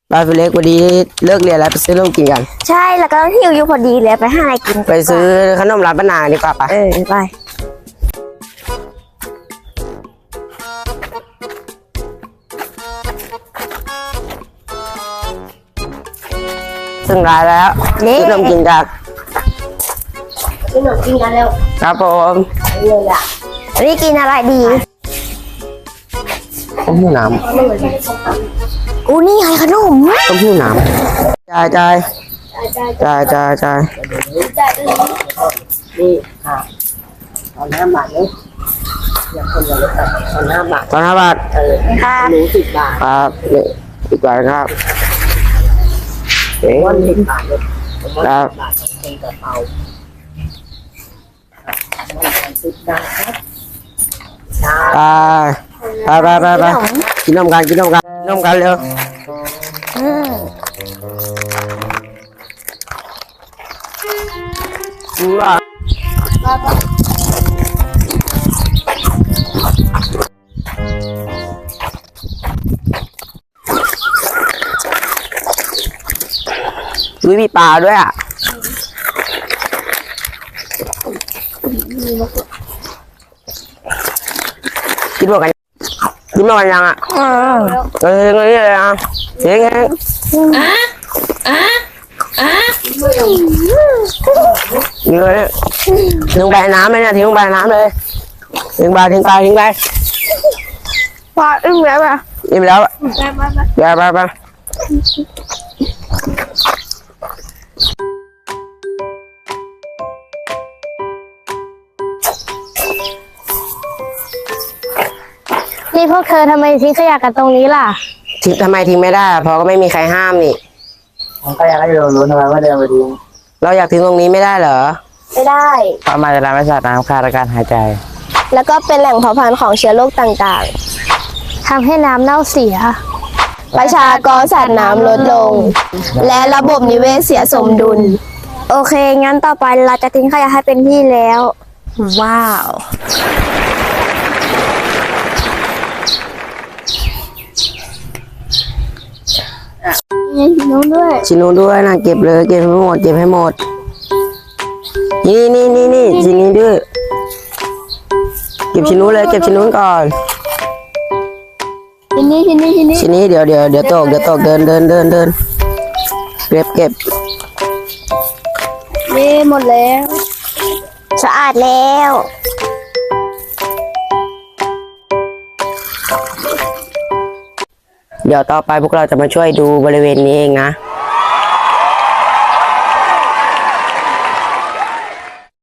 ไปเล็กพอดีเลิกเรียนแล้วไปซื้อนมกินกันใช่แล้วก็หิวอยู่พอดีเลยไปหาอะไรกินไปซื้อขนมร้านป้านางดีกว่าปะไปซึ่งร้านแล้วซื้อนมกินกันกินขนมกินกันเร็วครับผมเลยอ่ะวันนี้กินอะไรดีต้มหู้น้ำนี่ไงขนมำต้มหู้น้ำจ่ายนี่ค่ะตอน5 บาทเลยอย่างคนละเลยตอน5 บาทตอน5 บาทค่ะหนู10 บาทครับอีกบาทครับวัน10 บาทเลยครับบาทของคนกระเป๋า10 บาทครับไปกินนมกันเร็วมีปลาด้วยอ่ะกินหมดกันยังอ่ะเลยอ่ะเฮ้ยเลยทิ้งใบน้ำเลยเนี่ยทิ้งใบน้ำเลยทิ้งใบพออิ่มแล้วป่ะอิ่มแล้วไปนี่พวกเธอทำไมทิ้งขยะกันตรงนี้ล่ะทำไมทิ้งไม่ได้เพราะก็ไม่มีใครห้ามนี่ผมก็อยากให้รู้ทำไมว่าเดินไปทิ้งเราอยากทิ้งตรงนี้ไม่ได้เหรอไม่ได้เพราะมันจะทำให้สัตว์น้ำขาดการหายใจแล้วก็เป็นแหล่งเพาะพันธุ์ของเชื้อโรคต่างๆทำให้น้ำเน่าเสียประชากรสัตว์น้ำลดลงและระบบนิเวศเสียสมดุลโอเคงั้นต่อไปเราจะทิ้งขยะให้เป็นที่แล้วว้าวชิ้นนู้นด้วยนะเก็บเลยเก็บให้หมดนี่ชิ้นนี้ด้วยเก็บชิ้นนู้นเลยเก็บชิ้นนู้นก่อนชิ้นนี้เดี๋ยวตกเดินเก็บนี่หมดแล้วสะอาดแล้วเดี๋ยวต่อไปพวกเราจะมาช่วยดูบริเวณนี้เองนะ